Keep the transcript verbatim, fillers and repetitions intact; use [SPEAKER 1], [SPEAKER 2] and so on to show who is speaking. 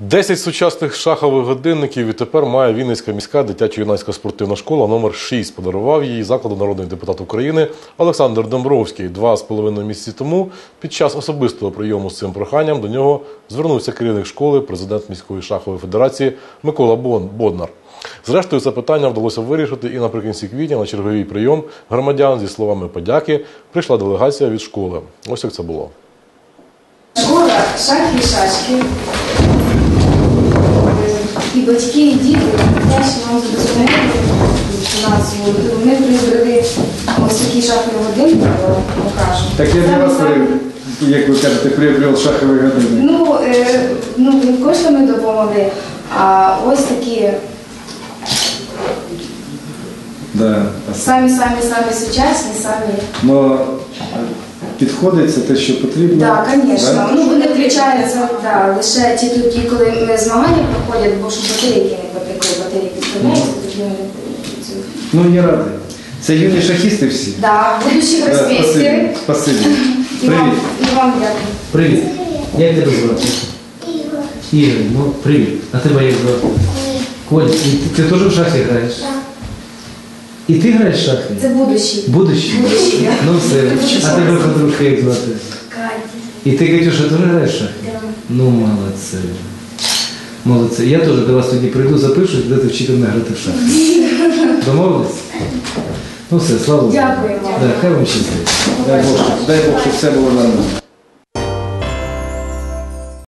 [SPEAKER 1] десять сучасних шахових годинників відтепер має Вінницька міська дитячо-юнацька спортивна школа номер шість. Подарував її закладу народний депутат України Олександр Домбровський. Два з половиною місяці тому під час особистого прийому з цим проханням до нього звернувся керівник школи, президент міської шахової федерації Микола Боднар. Зрештою, це питання вдалося вирішити, і наприкінці квітня на черговий прийом громадян зі словами подяки прийшла делегація від школи. Ось як це було.
[SPEAKER 2] Школа «Шахи і шашки». І батьки, і діти вдячні вам за дозволення фінансову. Вони прибрали ось такі шахові годинки, покажу.
[SPEAKER 3] Так я для вас, як ви кажете, приобрел шахові годинник.
[SPEAKER 2] Ну, е, ну, не коштами допомогли, а ось такі
[SPEAKER 3] Да,
[SPEAKER 2] самі-самі-самі сучасні, самі.
[SPEAKER 3] Но підходить це те, що потрібно?
[SPEAKER 2] Так, звісно.
[SPEAKER 3] Да?
[SPEAKER 2] Ну, вони включаються да, лише ті тоді, коли змагання проходять, бо щоб батарейки не потекли, батарейки підставляються, тоді вони працюють.
[SPEAKER 3] Ну, я радий. Це юні шахісти всі?
[SPEAKER 2] Так, будущі гросмейстери.
[SPEAKER 3] Спасибі.
[SPEAKER 2] І вам,
[SPEAKER 3] Привіт.
[SPEAKER 2] і вам дякую.
[SPEAKER 4] Привіт. Як тебе звати? Ігор. Ігор, ну привіт. А тебе як звати? Коля. І ти, ти теж в шахи граєш? Так. І ти граєш в шахи?
[SPEAKER 2] Це будущі.
[SPEAKER 4] Будущі?
[SPEAKER 2] Будущі.
[SPEAKER 4] Ну все. А тебе подружка як звати?
[SPEAKER 2] Катя.
[SPEAKER 4] І ти, Катюша, теж граєш в шахи?
[SPEAKER 2] Так.
[SPEAKER 4] Ну, молодці. Молодці. Я теж до вас тоді прийду, запишусь, будете вчити мене грати в шахи. Домовились? Ну все, слава Богу.
[SPEAKER 2] Дякую вам.
[SPEAKER 4] Да, хай вам щастить.
[SPEAKER 3] Дай Бог, щоб- дай Бог, щоб все було нормально.